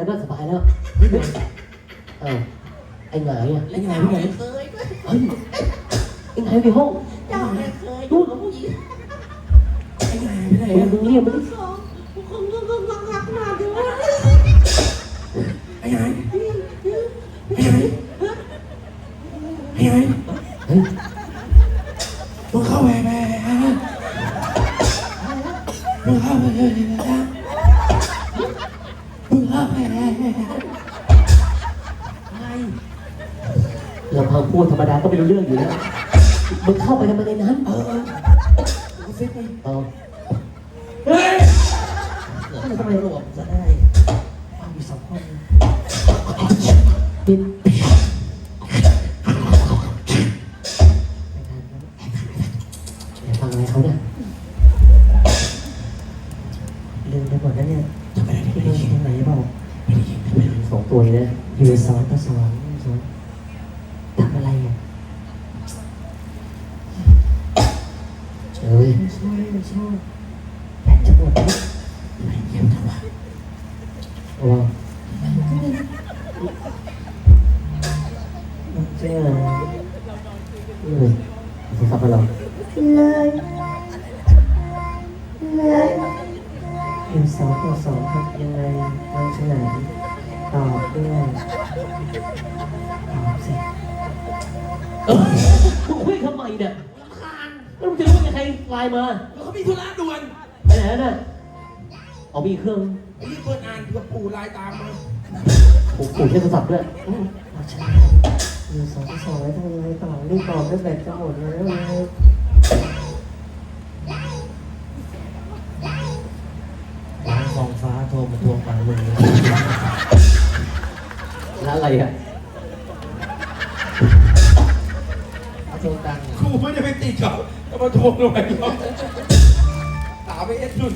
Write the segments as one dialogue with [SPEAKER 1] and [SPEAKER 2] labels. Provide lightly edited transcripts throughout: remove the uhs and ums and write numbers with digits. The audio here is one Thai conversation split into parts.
[SPEAKER 1] ก็สบายแล้วไอ้หงายอ่ะ
[SPEAKER 2] ไอ้หงายไปไหนเคย
[SPEAKER 1] เฮ้ยไอ้หงายในห้อง
[SPEAKER 2] เจ้าไม่เคยดูกับผู้หญิงไอ้หงายไปไหน
[SPEAKER 1] มึงเรียกมันดิ
[SPEAKER 2] คงรักมาด้วยไอ้หงายไอ้หงายไอ้หงาย
[SPEAKER 1] เฮ้ย
[SPEAKER 2] มึงเข้าไปมึงเข้าไป
[SPEAKER 1] เราพอพูดธรรมดาก็ไม่รู้เรื่องอยู่แล้วมึงเข้าไปทำไมในนั้น
[SPEAKER 2] กูฟิตไป
[SPEAKER 1] เฮ้ย
[SPEAKER 2] ทำไมหลวมจะได้ฟังอยู่2 คน
[SPEAKER 1] บินฟังอะไรเขาเนี่ย
[SPEAKER 3] ลืมไปหมดแล้วเนี่ย
[SPEAKER 2] จะไปไหนที่
[SPEAKER 3] ไหนบอก
[SPEAKER 2] ไม่ได้ยิน
[SPEAKER 1] 2 ตัวเลยนะ
[SPEAKER 3] อยู่สอนก็สอนทำอะไรอ่ะ
[SPEAKER 1] เฮ้ย
[SPEAKER 3] ไม่ใช่แบตจะหมดแล้ว
[SPEAKER 2] ไม่เยี่ยมจังวะ
[SPEAKER 1] ว้าว
[SPEAKER 3] เจ้า
[SPEAKER 1] จะขับมาหรอ
[SPEAKER 3] อยู่2 ต่อ 2ครับยังไงบางฉลาดตอบด้วยตอบสิ
[SPEAKER 1] มึงคุยทำไมเนี่ยแล้วมึงจะรู้ว่าใครไลน์มา
[SPEAKER 2] แล้วเขามีธุระด่วน
[SPEAKER 1] ไปไหนน่ะเอามีเครื่อง
[SPEAKER 2] รีบเปิดอ่านกับปู่ไลน์ตามมา
[SPEAKER 1] ปู่ใช้โทรศัพท์ด้วย
[SPEAKER 3] เอาฉลาดอยู่2 ต่อ 2แล้วทำยังไงต่อรีบตอบด้วยแบตจะหมดแล้วเลย
[SPEAKER 2] ร้านทองฟ้าโทรมาทวงตังค์มึง
[SPEAKER 1] แล้วอะไรอ่ะ
[SPEAKER 2] ทวงตังค์ครูไม่ได้ไปติดเขาจะมาทวงทำไมถามไปนุ่น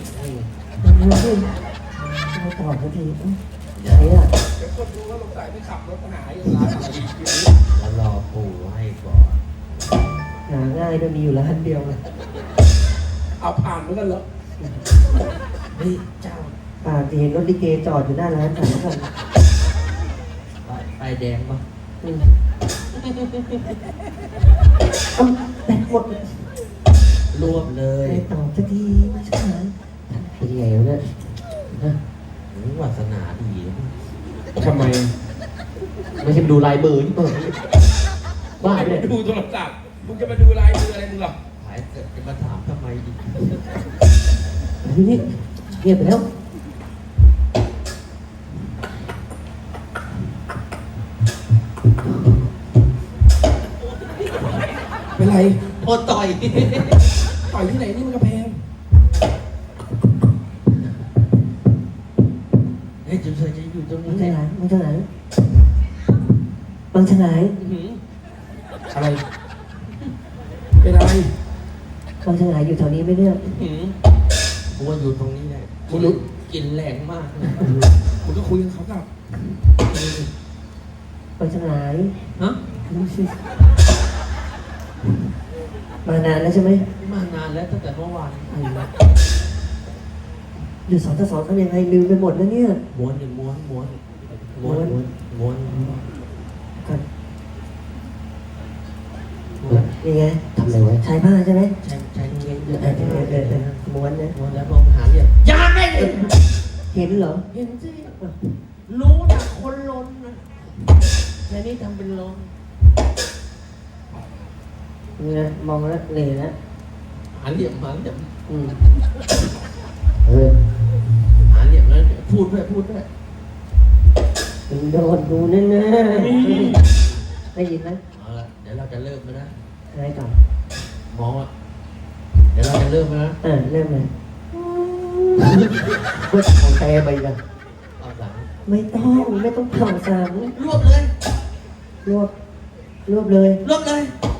[SPEAKER 3] ไม่ตอบสักทีใช่อ่ะ
[SPEAKER 2] เดี๋ยวคนรู้ว่าลงสายไปขับรถหายร้านอะไรแล้วรอปู่ให้ก่อน
[SPEAKER 3] หาง่ายจะมีอยู่ร้านเดียวเลย
[SPEAKER 2] เอาผ่านเหมือนกันเหรอเฮ้ยเจ้า
[SPEAKER 3] ป่าจะเห็นรถลิเกจอดอยู่หน้าร้าน3 คน
[SPEAKER 2] ไปแดงปะ
[SPEAKER 3] แบตหมด
[SPEAKER 2] รวบเลย
[SPEAKER 3] ไม่ตอบสักทีไม่ใช่ไหม
[SPEAKER 1] เป็นไงวะเนี่ย
[SPEAKER 2] วาสนาดี
[SPEAKER 1] ทำไมไม่ใช่ดูลายมือนี่บ้าเนี่ย
[SPEAKER 2] ดูโทรศัพท์มึงจะมาดูลายมืออะไรมึงหรอหายเสร็จจะมาถามทำไมดิ
[SPEAKER 1] นี่เงียบไปแล้ว
[SPEAKER 2] เป็นไรโดนต่อยที่ไหนนี่มันกระแพงเฮ้ยจุ๊บเฉยจะอยู่ตรงนี้
[SPEAKER 3] มึงจะไหนบางฉลาด
[SPEAKER 2] อะไรเป็นอะไร
[SPEAKER 3] บางฉลาดอยู่แถวนี้ไม่เลือก
[SPEAKER 2] กูว่าอยู่ตรงนี้แหละกูรู้กินแรงมากกูก็คุยกับเขากั
[SPEAKER 3] บบางฉลาด
[SPEAKER 2] ฮะ
[SPEAKER 3] มานานแล้วใช่ไหม
[SPEAKER 2] มานานแล้วตั้งแต่เมื่อวาน
[SPEAKER 3] อยู่2 ต่อ 2ทำยังไงลืมไปหมดแล้วเนี่ย
[SPEAKER 2] ม้วน
[SPEAKER 3] กันยังไง
[SPEAKER 1] ทำอะไรไว้
[SPEAKER 3] ใช้ผ้าใช่ไหม
[SPEAKER 2] ใช้เงี้ย
[SPEAKER 3] ม้วนนะ
[SPEAKER 2] ม้วนแล้วพอหาเรียบยาไม่
[SPEAKER 3] เห็นเหรอ
[SPEAKER 2] เห็นสิรู้นะคนล้นนะแค่นี้ทำเป็นล้น
[SPEAKER 3] เนี่ยมองแล้วเหนื่อยแล้ว
[SPEAKER 2] หาเหลี่ยม
[SPEAKER 1] หาเหลี่ยม
[SPEAKER 2] แล้วพูดด้วย
[SPEAKER 3] มึงโดนกูแน่ได้ยินไหม
[SPEAKER 2] เอาละเดี๋ยวเราจะเริ่มแล้วนะ
[SPEAKER 3] อะไรต่อ
[SPEAKER 2] มองอ่ะเดี๋ยวเราจะเริ่มแล้วนะ
[SPEAKER 3] เริ่มเลย
[SPEAKER 1] ก็ของแกไปกัน
[SPEAKER 2] เอาหลัง
[SPEAKER 3] ไม่ต้องเผาสาม
[SPEAKER 2] รวบเลย
[SPEAKER 3] รวบเลย
[SPEAKER 2] รวบเลย